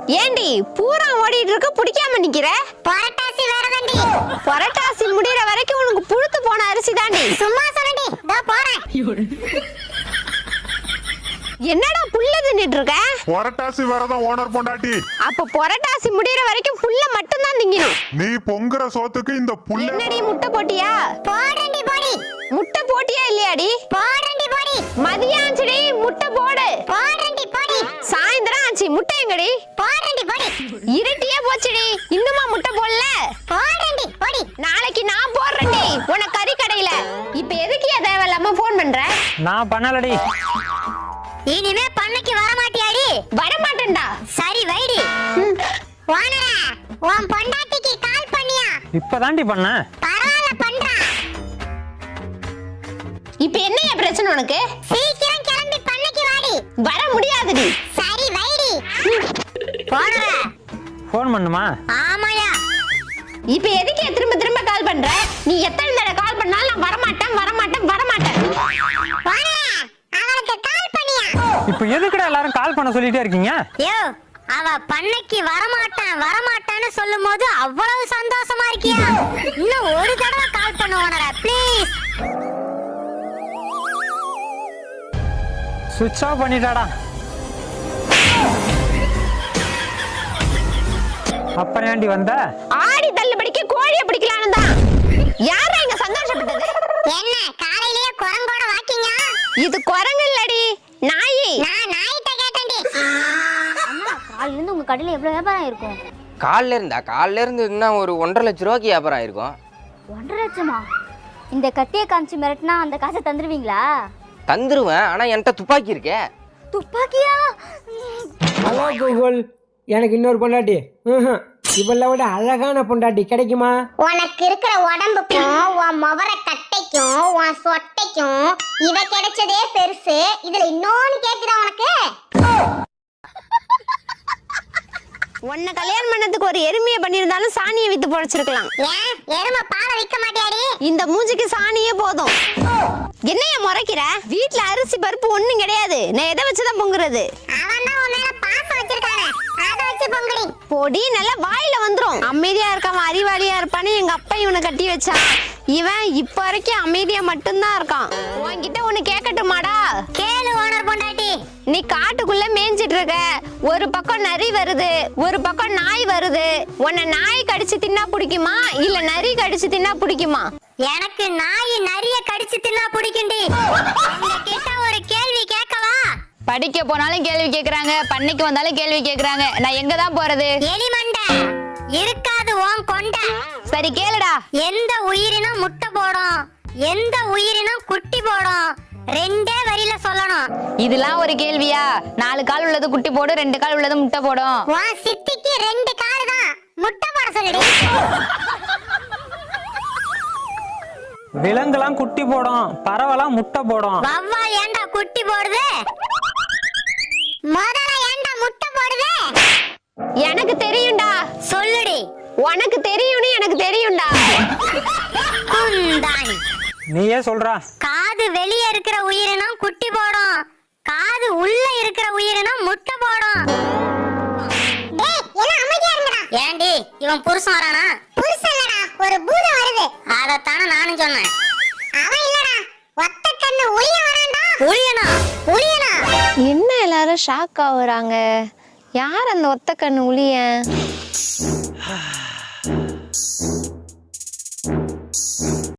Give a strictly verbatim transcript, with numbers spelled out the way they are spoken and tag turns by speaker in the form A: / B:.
A: ஏண்டி பூரா ஓடிட்டு இருக்க பிடிக்காம நிக்கிற?
B: புரட்டாசி வரதண்டி.
A: புரட்டாசி முடியற வரைக்கும் உனக்கு புழுத்து போன அரிசி தாண்டி.
B: சும்மா சொல்லடி, இதோ போறேன்.
A: என்னடா புல்ல தின்னுட்டு இருக்க?
C: புரட்டாசி வரதம் ஓனர் பொண்டாட்டி.
A: அப்ப புரட்டாசி முடியற வரைக்கும் புல்ல மட்டும் தான் திங்கணும்.
C: நீ பொங்குற சோத்துக்கு இந்த புல்ல.
A: என்னடி முட்டை போட்டியா?
B: போடுறேன்டி போடி.
A: முட்டை போட்டியா இல்லையாடி?
B: போடுறேன்டி போடி.
A: மதியம் ஆச்சுடி, முட்டை போடு.
B: போடுறேன்டி போடி.
A: சாயந்தரம் ஆச்சு, முட்டை எங்கடி?
B: போடுறேன்டி போடி.
A: இருட்டியே போச்சுடி, இன்னுமா முட்டை போடல?
B: போடுறேன்டி போடி.
A: நாளைக்கு நான் போடுறேன்டி உன கறி கடையில. இப்ப எதுக்கு தேவையில்லாம போன் பண்ற?
D: நான் பண்ணலடி.
B: இனிமே பண்ணைக்கு வர மாட்டியாடி?
A: வர மாட்டேன்டா.
B: சரி வைடி. ஓனரா, உன் பொண்டாட்டிக்கு கால் பண்ணியா?
D: இப்பதாண்டி பண்ண.
B: பரவாயில்ல பண்றா.
A: இப்ப என்னைய பிரச்சனை உனக்கு?
B: சீக்கிரம் கிளம்பி பண்ணைக்கு வாடி.
A: வர முடியாதுடி.
B: சரி வைடி. ஓனரா,
D: ஃபோன் பண்ணுமா?
B: ஆமாயா.
A: இப்ப எதுக்கு திரும்ப திரும்ப கால் பண்ற? நீ எத்தனை தடவை கால் பண்ணாலும் நான் வர மாட்டேன் வர மாட்டேன் வர மாட்டேன்.
B: ஓனரா, அவளுக்கு கால் பண்ணியா?
D: இப்போ எதுக்குடா எல்லாரும் கால் பண்ண சொல்லிட்டே இருக்கீங்க?
B: யோ, அவ பண்ணைக்கு வரமாட்டான் வரமாட்டான்னு சொல்லும்போது அவ்வளவு சந்தோஷமா இருக்கியா? இன்னும் ஒரு தடவை கால் பண்ணு ஓனரா, ப்ளீஸ்.
D: சுவிட்ச் ஆஃப் பண்ணிட்டாடா. அப்புறம் ஏண்டி வந்த?
A: ஆடி தள்ளுபடிக்கு கோழிய பிடிக்கலான்னு தான். யாரா இங்க சந்தோஷப்பட்டது?
B: என்ன காலையிலேயே குரங்கோட வாக்கிங்க?
A: இது குரங்கு இல்லடி, நாயி.
B: நான் நாயிட்ட கேட்டேன்டி. அம்மா, காலையில இருந்து உங்க கடையில எவ்வளவு வியாபாரம் இருக்கும்?
E: காலில் இருந்தா காலில் இருந்து இன்னும் ஒரு ஒன்றரை லட்ச ரூபாய்க்கு வியாபாரம் ஆயிருக்கும்.
B: ஒன்றரை லட்சமா? இந்த கத்தியை காமிச்சு மிரட்டினா அந்த காசை தந்துருவீங்களா?
E: தந்துருவேன், ஆனா என்கிட்ட துப்பாக்கி இருக்கே.
B: துப்பாக்கியா?
F: ஹலோ கூகுள், எனக்கு இன்னொரு பொண்டாட்டி. இவளை விட அழகான பொண்டாட்டி கிடைக்குமா?
B: உனக்கு இருக்கிற உடம்புக்கும் உன் முவர கட்டைக்கும் உன் சொட்டைக்கும் இவ கிடைச்சதே பெருசு. இதுல இன்னொன்னு கேக்குதா உனக்கு?
A: உன்னை கல்யாணம் பண்ணதுக்கு ஒரு எருமையை பண்ணியிருந்தாலும் சாணியை வித்து பொழைச்சிருக்கலாம்.
B: ஏன் எருமை பாலை விற்க மாட்டியாடி?
A: இந்த மூஞ்சிக்கு சாணியே போதும். என்னைய முறைக்கிற? வீட்டுல அரிசி பருப்பு ஒண்ணும் கிடையாது. நான் எதை வச்சுதான் பொங்குறது?
B: அவன் தான் உன் மேல பாசம் வச்சிருக்கானே, அதை வச்சு பொங்குடி.
A: பொடி நல்லா வாயில வந்துரும். அமைதியா இருக்காம அறிவாளியா இருப்பான்னு எங்க அப்பா இவனை கட்டி வச்சான். இவன் இப்ப வரைக்கும் அமைதியா மட்டும்தான் இருக்கான். உன்கிட்ட ஒண்ணு கேட்கட்டுமாடா?
B: கேளு ஓனர் பொண்டாட்டி.
A: நீ காட்டுக்குள்ள மேய்ஞ்சிட்டு இருக்க. ஒரு பக்கம் நரி வருது, ஒரு பக்கம் நாய் வருது. உன்னை நாய் கடிச்சு தின்னா பிடிக்குமா இல்ல நரி கடிச்சு தின்னா பிடிக்குமா?
B: எனக்கு நாய் நிறைய கடிச்சு தின்னா பிடிக்கும்டி. உங்ககிட்ட ஒரு கேள்வி கேட்கவா?
G: படிக்க போனாலும் கேள்வி கேக்குறாங்க, பண்ணைக்கு வந்தாலும் கேள்வி கேக்குறாங்க. நான் எங்க தான் போறது?
B: எலிமண்டை இருக்காது உன் கொண்டை.
G: சரி கேளுடா.
B: எந்த உயிரினம் முட்டை போடும், எந்த உயிரினம் குட்டி போடும்? ரெண்டே வரியில சொல்லணும்.
G: இதெல்லாம் ஒரு கேள்வியா? நாலு கால் உள்ளது குட்டி போடும், ரெண்டு கால் உள்ளது முட்டை போடும்.
B: உன் சித்திக்கு ரெண்டு கால் தான், முட்டை போட சொல்லுடி.
D: விலங்குலாம் குட்டி போடும், பறவைலாம் முட்டை போடும்.
B: வவ்வால் ஏண்டா குட்டி போடுது? முதல்ல ஏண்டா முட்டை போடுது?
A: எனக்கு தெரியும்டா.
B: சொல்லுடி.
A: உனக்கு தெரியும்னு எனக்கு தெரியும்டா.
B: குந்தாணி.
D: நீயே சொல்றா.
B: காது வெளியே இருக்கிற உயிரினம் குட்டி போடும், காது உள்ள இருக்கிற உயிரினம் முட்டை போடும். டேய், எல்லாம் அமைதியா இருங்கடா. ஏண்டி இவன் புருஷன் வரானா? புருஷன் இல்லடா, ஒரு பூதம் வருது. அதத்தான நானும் சொன்னேன். அவன் இல்லடா, ஒத்த கண்ணு உளிய வரான்டா. உளியனா? உளியனா?
A: என்ன எல்லாரும் ஷாக் ஆகுறாங்க? யார் அந்த ஒத்த கண்ணு உளிய?